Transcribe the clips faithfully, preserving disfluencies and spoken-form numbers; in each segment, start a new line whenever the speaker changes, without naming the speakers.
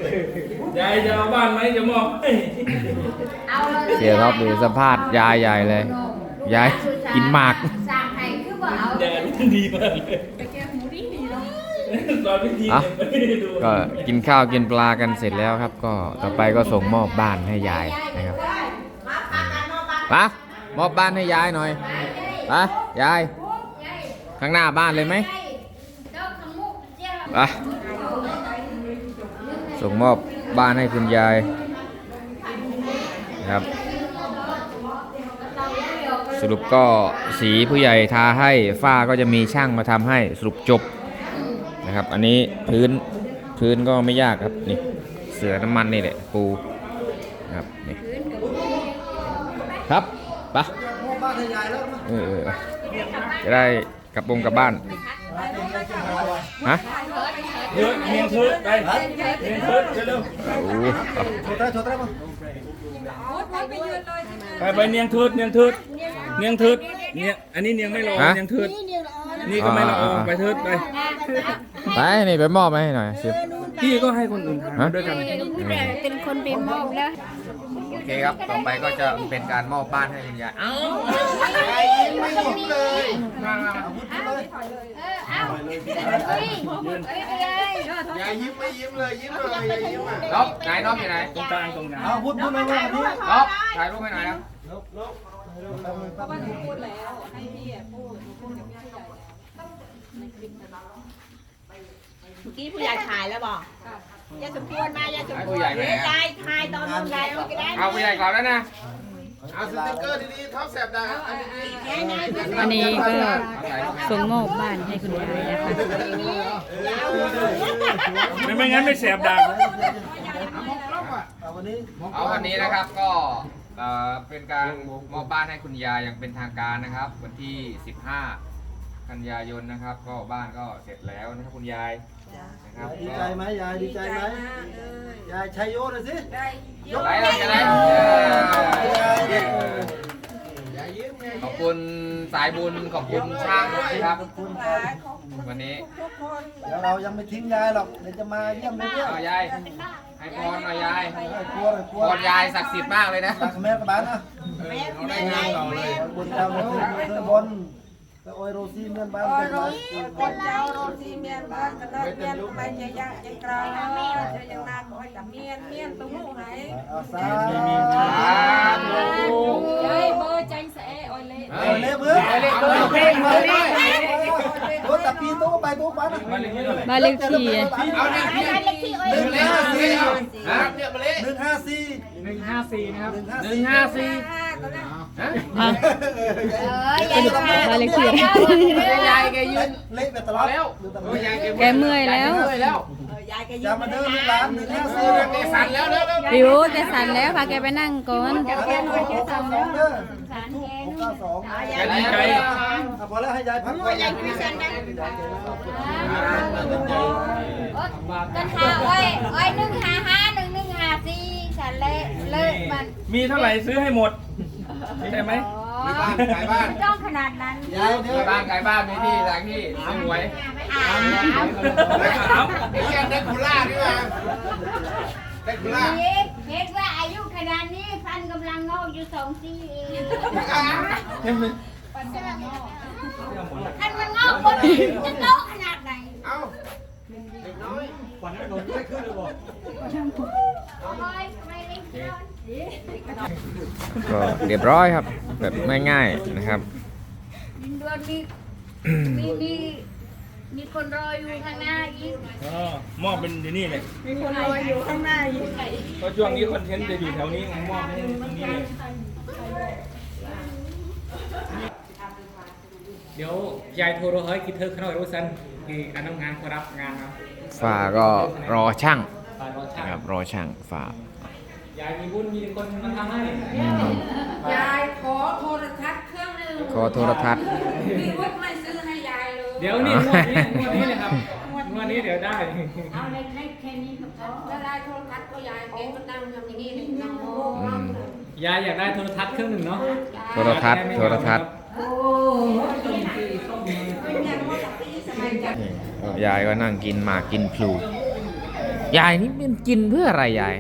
ยายจะเอาบ้านไหมจะมอบให้
เสียท็อปดูสภาพยายใหญ่เลยยายกินหมาก
ยายดีมากเลยตอนพิธี
อ่ะ
เนี่ยไม่ได้ดู
ก็กินข้าวกินปลากันเสร็จแล้วครับ ก็ต่อไปก็ส่งมอบบ้านให้ยายนะครับปะมอบบ้านให้ยายหน่อยปะยายข้างหน้าบ้านเลยไหมปะส่งมอบบ้านให้คุณยายนะครับสรุปก็สีผู้ใหญ่ทาให้ฝ้าก็จะมีช่างมาทำให้สรุปจบนะครับอันนี้พื้นพื้นก็ไม่ยากครับนี่เสือน้ำมันนี่แหละปูนะครับนี่ครับปะเออเออจะได้กลับวงกลับบ้านฮะ
เยอะเมียงทืดไปเมียงทืดเร็ว
โอ้
ไปไปเนียงทืดเนียงทืดเนียงทืดเนียงอันนี้เนียงไม่รอเนียงทืดนี่ก็ไม่รอไปทืดไป
ไปนี่ไปมอบให้หน่อยสิ
พี่ก็ให้คนอื่นทำด้วยกัน
เป็นคนไปมอบแล้ว
โอเคครับต่อไปก็จะเป็นการมอบบ้านให้คุณยายเอ้า
ไม่หมดเลย
มา
เออเอาเฮ้ยเฮ้ยเฮ้ย
อย่ายิ้มไม่ยิ้มเลยยิ้มเลยอย่ายิ้มอ่ะ
น้องไหนน้องอยู่ไหน
ตรงกลางตรงกลาง
เอาพูดพูดเลยว่าวันนี้
น้องถ่ายรูปให้หน่อยครับ
เมื่อกี้ผู้ใหญ่ถ่ายแล้วบอกยายสมควรมายายสม
ให้
คว
ผู้
ร
ใหญ่ไหน
ยายถ่ายตอนนู้นยายเอาไปได้
เอาผู้ใหญ่ก่อนแล้วนะ
เอาสติ๊กเกอร์ดีๆท็อปแสบดังอันนี้
อันนี้ก็ส่งมอบบ้านให้คุณยายนะคะ
ไม่ไม่งั้นไม่แสบดัง
เอาวันนี้
เอาวันนี้นะครับก็เอ่อเป็นการมอบบ้านให้คุณยายอย่างเป็นทางการนะครับ วันที่สิบห้ากันยายนนะครับ ก็บ้านก็เสร็จแล้วนะครับคุณยายนะครับ
ดีใจไหมยายดีใจไหมยายชัยโยหน่อยสิ
ยกไหนเราจะได้
ยายยิ้มไง
ขอบคุณสายบุญขอบคุณช่างนะครับ
คุณ
วันนี้
เดี๋ยวเรายังไม่ทิ้งยายหรอกเดี๋ยวจะมาเยี่ยมเรื่อย
เอายายให้พรหน่อยยาย
ๆให้กลัวเลยกลัว
พรยายศักดิ์สิทธิ์มากเลยนะ
รักแม่กระบาลนะ
เราได้เงินเราเลย
บนเจ้าบนเจ้าบนก็โอยโรซีเมียนบ้านเป็นไร
คนเจ้าโรตีเมียนบ้านกันเลยเมียนไปใจยะใจกลางใจยังนานคอยกับเมียนเมียนตุ้งหูไหน
เอาซา
เฮ้ยเบอร์ใจแสอ้อยเล่
เอาเล่มือเอาเล่มือเพ่งเลยรถตะปีตู้ไปตู้บ้าน
บ้านเลขที่
เอาหนึ่ง
เล็กที่เอ้ย
หนึ่งห้าสี่
ฮะ
หนึ่งห้าสี่
หนึ่งห้าสี่นะครับ
หนึ่ง
หนึ่งห้าสี่
อ่ะ
เออยายมา
บ้านเลขที่
ยายแกยืน
เละไปตลอดแล้ว
แกเมื่อยแล้ว
ยายก็
อ
ยิ้
ย่าม มาเดินลูกหลานหนึ่งห้าสี่
แกสั่นแล้วแล้วแล้ว
ริวแกสั่นแล้วพาแกไปนั่งก่อน
หกเก้าสองเด้อหกเก้าสอง
ยายดีใจ
พอแล้วให้ยายพักก่อน
ยายพิเศษนะกันหาอ้อยอ้อยหนึ่งห้าห้าหนึ่งหนึ่งห้าสี่ฉันเลยเลิกมัน
มีเท่าไหร่ซื้อให้หมดใช่ไหม
มีบ้านขายบ้านไม่ต้องขนาดนั้น
ยายเดี๋ยว
บ้านไกลบ้านมีที่ทางที่สวย
อ่า
เอา
ไอ้เหี้ยเด็กคุล่านี่มาเด็กคุล่า
เห็นว่าอายุขนาดนี้ฟันกำลังงอกอยู่สองซี่เองท่านมันงอกคนจะโตขนาดไหน
เอ้าเด็กน้อย
ขวัญโดนไม่ขึ้นเลยบอก
โอ้ยไม่ได้เงิน
ก็เรียบร้อยครับ แบบง่ายๆนะครับ
ดินดวนมีมีมีมีคนรออยู่ข้างหน้าอีก
อ๋อมอบเป็นที่นี่เลย
มีคนรออยู่ข้างหน้าอยู่
เพราะช่วงนี้คอนเทนต์จะอยู่แถวนี้ไงมอบให้ตรงนี้เลย
เดี๋ยวยายโทรเฮ้ยคิดเธอขน่อยรู้สันคืออันทำงานเขารับงานครับ
ฝ่าก็รอช่าง
ตอนรอช่าง
นะครับรอช่างฝ่าย
ายมีบุญมีคนมาทำให้
ยายขอโทรทัศน์เครื่องหนึ่ง
ขอโทรทัศน์
พี่วุฒิไม่ซื้อให้ยายเลย
เดี๋ยวนี่งวดนี้งวดนี้เลยครับงวดนี้เดี๋ยวได้
เอาเล็กๆแค่นี้ก็พอ
แล้วได้โทรทัศน์ก็ยายเองก็นั่งทำอย่างนี้เลยน้อง
อืม
ยายอยากได้โทรทัศน์เครื่องหนึ่งเนาะ
โทรทัศน์โทรทัศน์
โอ้
นี่ยายก็นั่งกินหมากกินพลูยายนี่มันกินเพื่ออะไรยาย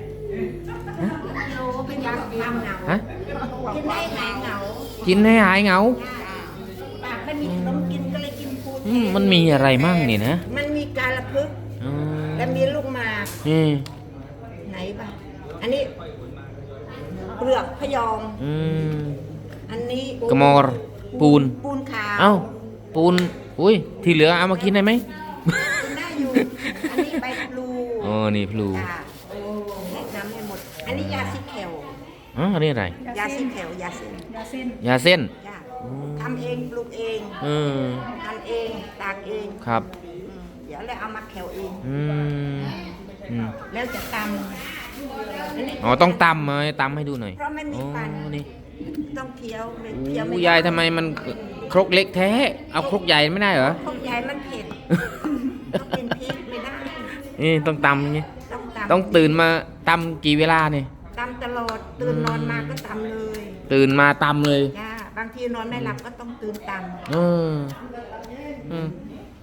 ฮะ
กินได้หายเหงา
กินให้หายเหงา
ปากไม่มีขนมกินก็เลยกินปู
อืมมันมีอะไรมั่งนี่นะ
มันมีกาละพึก
อืม
และมีลูกหมาก
อืม
ไหนบ้างอันนี้เปลือกพยอง
อืม
อันนี้
กระมอรปูน
ปูนขาว
เอ้าปูนอุ้ยที่เหลือเอามากินได้ไหม
กินได้อยู่ อันนี้ใบพลู
อ๋อนี่พลู
จ้ะแนะนำให้หมด อันนี้ยาซิแคล
อ๋ออันนี้อะไร
ยาซิแคลยาเส้น
ยาเส้น
จ้ะทำเองปลูกเอง
เออ
ทำเองตากเอง
ครับ
อืมเดี๋ยวเลยเอามาแคลเอง
อืมอืม
แล้วจะตำอันนี้
อ๋อต้องตำมาตำให้ดูหน่อย
เพราะไม่มี
อ๋อ
ฟัน
นี่
ต้องเคี้ยวไม่เคี้ยว
โอ้
ไม่
ยายทำไมมันครกเล็กแท้ เอาครกใหญ่ไม่ได้เหรอ
พวกยายมันเผ็ด ต้องกินพริกไม่ได้
นี่ต้องตำอย่างงี้
ต้องตำ
ต้องตื่นมาตำกี่เวลาเนี่ย
ตำตลอดตื่นนอนมาก็ตำเลย
ตื่นมาตำเลย
จ้าบางทีนอนไม่หลับก็ต้องตื่นต
เอออืม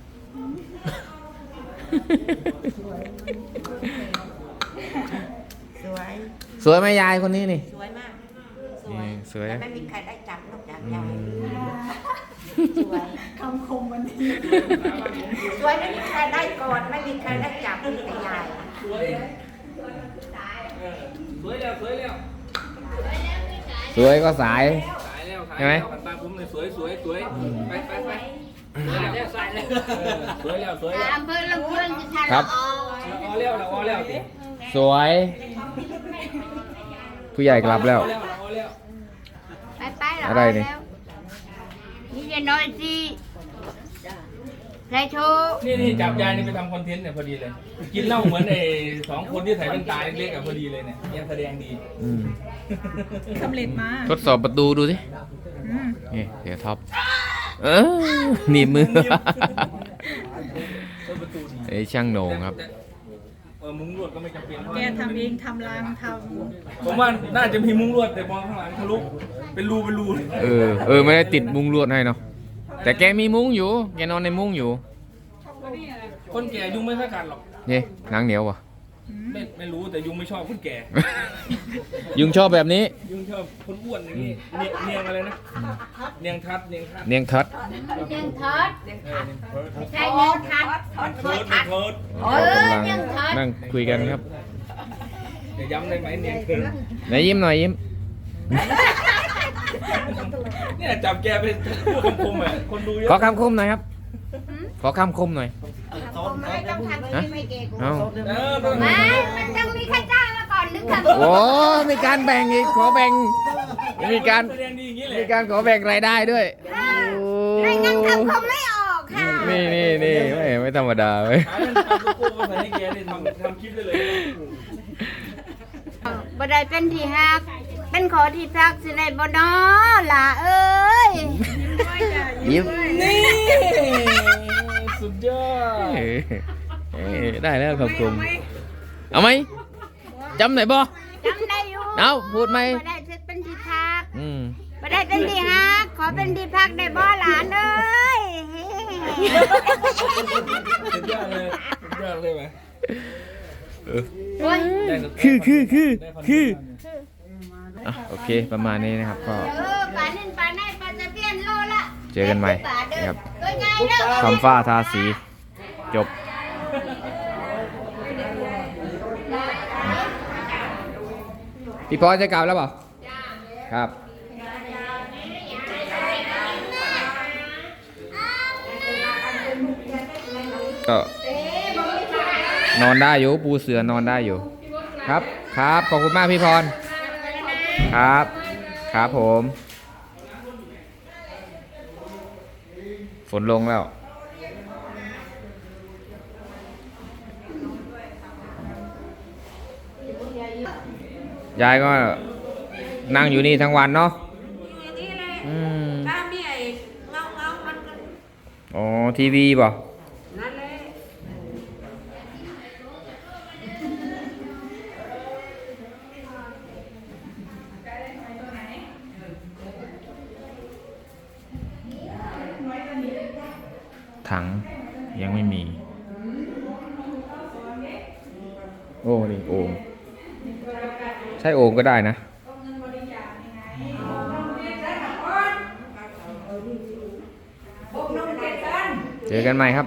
ำสวย
สวยไหมยายคนนี้นี่
สวยมาก สว
นี่
ย
สวย
แต่ไม่มีใครได้จับนอกจากยายสวยคำคมวันนี้สวยไม่มีใครได้ก่อนไม่มีใครได้จับมีแต่ยาย
สวยสวยแล้วสวยแล้ว
สวยก็สาย
สายแล้วสาย
ใช่ไหม
แล้วตาผมเลยสวยสวยสวยไปไปไปสวยแล้วสายแล้วสวยแล้วสวยแล้ว
อำเภอลำพูนจะทาน
ครับ
ละออแล้วละออแล้วสิ
สวย ผู้ใหญ่กลับแล้ว
ละออแล้ว
ไปไปแล้ว
อะไรนี่
นี่จะน้อยสิไรโชว์
นี่นี่จับยายนี่ไปทำคอนเทนต์เนี่ยพอดีเลย กินเหล้าเหมือนไอ้สองคนที่ใส่แว่นตาเล็กๆอ่ะพอดีเลยเนี่ยยังแสดงดี
อืม
สำเร็จมา
ทดสอบประตูดูสิ
อืม
นี่เดี๋ยวท็อป เออหนีบมือ ไอ้ช่างโหน่งครับ
เออมุ้งลวดก็ไม่จำเป็น
แกทำเองทำรางท
ผมว่าน่าจะมีมุ้งลวดแต่มองข้างหลังทะลุเป็นรูเป็นรู
เออ เออ ไม่ได้ติดมุ้งลวดให้เนาะ แต่แกมีมุ้งอยู่ แกนอนในมุ้งอยู่
คนแก่ยุงไม่ค่อยกัดหรอก
นี่หนังเหนียววะ
ไม่ไม่รู้แต่ยุงไม่ชอบคนแก่
ยุงชอบแบบนี้
ยุงชอบคนอ้วนอย่างนี้เนียงเนียงอะไรนะเนียงทัดเนียงทัด
เนียงทัด
เนียงทอด
เออเนียงเทิด
ใช่เนียงทัด
เทิดเทิด
เออก
ำลัง
เนียงทอด
นั่งคุยกันครับ
จะย้ำได้ไหมเนียงเทิด
ไหนยิ้มหน่อยยิ้ม
เนี่ยจับแกไปพูดคำคมอ่ะคนดูเยอะ
ขอคำคมหน่อยครับ ขอคำคมหน่อย
ผมไม่ต้องทำที่ไม่เก่ง
เอ้า
เออต้อง
ไม่ มันต้องมีใครจ้างมาก่อนนึกคำ
โอ้มีการแบ่งอีก ขอแบ่ง มีการ
แสดงดีอย่างนี้แหละ
มีการขอแบ่งรายได้ด้วย
ไม่งั้นคำคงไม่ออกค่ะ
นี่นี่นี่ไม่ไม่ธรรมดาเว้ย
หาเงินทำโลโก้มาใส่ให้แกนี่ทำทำคลิปได้เลย
บ่ได้เป็นที่ฮัก เป็นขอที่พักสิได้บ่น้อล่ะเอ้ย
ยิ้ม
นี่สุดยอด
เอ้ยเอ้ยได้แล้วคำคมเอาไหมจำไหนบ่
จำได้อยู่
เอาพูดไหม
บ่ได้เป็นที่พัก
อืม
บ่ได้เป็นที่ฮัก ขอเป็นที่พักได้บ่หลานเอ้ย
สุดยอดเลยสุดยอดเลยไหม
โอ้ย
ได้สุด
คือคือคือ
ได้น
คือ
เทนต์
อ่ะโอเคประมาณนี้นะครับก็
เออปลานินปลาในปลาตะเพียนโลละ
เจอกันใหม่นะครับ
ตัวใหญ่เด้อ
ทำฝ้าทาสีจบ พี่พอจะกลับแล้วเปล่าครับ ก็นอนได้อยู่ปูเสือนอนได้อยู่ ครับครับขอบคุณมากพี่พร ครับ ครับผม ฝนลงแล้ว ยายก็นั่งอยู่นี่ทั้งวันเนาะ
นี่เลย
อืม
ถ้ามีไอ้เงาเงาๆมันก็
อ๋อ ทีวีป่ะ
นั่นเลย
ถังยังไม่มีโอ้นี่โอ่งใช่โอ่งก็ได้นะเจอกันใหม่ครับ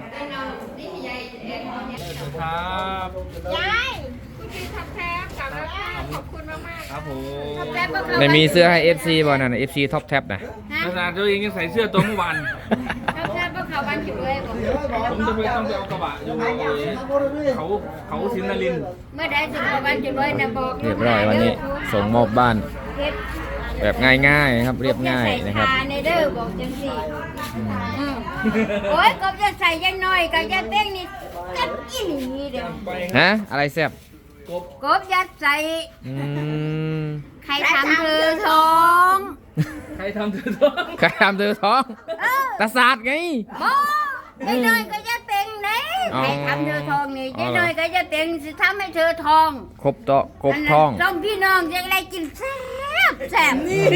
ครับ
ยายคุณพี่ทับแทบกลับแล้วขอบคุณมากมาก
ครับผม
ทับแทบก็เข้า
ไม่มีเสื้อให้ เอฟ ซี บ่นั่นน่ะ เอฟ ซี ท็อปแท็บนะ
ขนาดตัวเองยังใส่เสื้อตัวเมื่อวาน
ทับแทบก็เข้าบ้านอยู่เลยบอก
ผมจะไปต้องไปเอากระบะอยู่เขาเขาสินนรินทร์
เมื่อใดถึงเข้าบ้านอยู่เลยนะบอก
เรียบร้อยวันนี้ส่งมอบบ้าน
เฮ็ด
แบบง่ายๆครับเรียบง่ายนะครับ
ใส่ชาในเด้อบอกจังสิอืมโอ้ยก็จะใส่ยังน้อยก็จะเต้งนี่จัดอีหลีเด้อ
ไป
ฮะ อะไรแซ่บ
กบยัดใส่
อืม
ใครทำเธอท้อง
ใครทำเธอท้อง
ใครทำเธอท้อง
เออ
ตาศาสตร์ไง
บ่ยายน้อยก็จะเป็นเด้
อ๋อ
ใครทำเธอทองนี่
อ๋อย
ายน้อยก็จะเป็นสิทำให้เธอทอง
ครบโตะครบท้อง
สองพี่น้องจะได้กินแซ่บแซ่บนี่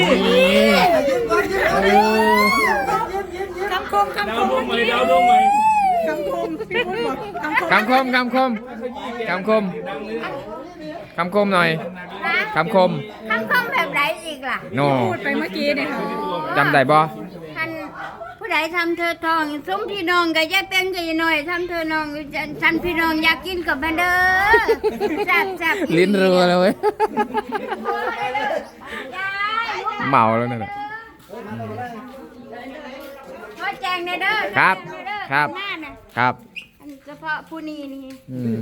คำคมคำ
ดา
คว ม
ดวงใหม่ดาวดวงใหม่
คำคมพี่พุทธบอกคำคม
คำคมคำคมคำคมคำคมหน่อย
นะ
คำคม
คำคมแบบไหนอีกล่ะ
โน
พูดไปเมื่อกี้เนี่ยค่ะ
จำได้บ่
ท่านผู้ใดทำเธอทองสมพี่น้องก็จะเป็นก็จะน้อยทำเธอน้องท่านพี่น้องอยากกินกับมันเด้อแซ่บแซ่บ
ลิ้นรัวเลยเว้ย
ยาย
เมาแล้วนั่นน่ะ
ขอแจงในเด้อ
ครับ
แจ้งในเด้อ
ครับ
หน้าน่ะ
ครับ
อันเฉพาะผู้นี้นี่
อืม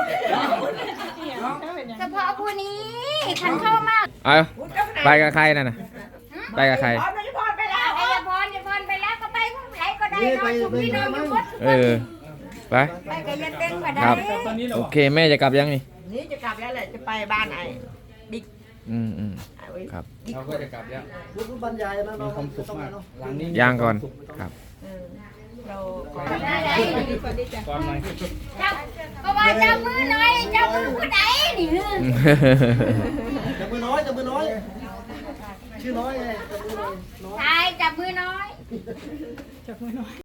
เฉพาะผู้นี้ขันเข้ามา
เอาไปกับใครนั่นน่ะไปกับใคร
พรไปแล้วไอ้ยาพรยาพรไปแล้วก็ไปผู้ไหนก็ได้เนอนสุพี่น้องอยู่หมด
เออ ไป
ไปกับยาเต้งก็ได้
ครับ โอเคแม่จะกลับยังนี่
นี่จะกลับแล้วแหละจะไปบ้านไอ้บิ๊ก
อืมอืม
ไอ้เว้ย
ครับ
เราก็จะกลับแล้ว
ลูกบรรยายนะ
มีความสุขมากหลังนี้
ย่างก่อนครับ
เรา
ได้ได้
ก่อนหน่อย
เจ้าเพราะว่าเจ้ามือหน่อยเจ้ามือผู้ใดนี่
จับมือน้อยจับมือน้อย ชื่อน้อยไงจับมือน้อย
ชายจับมือน้อย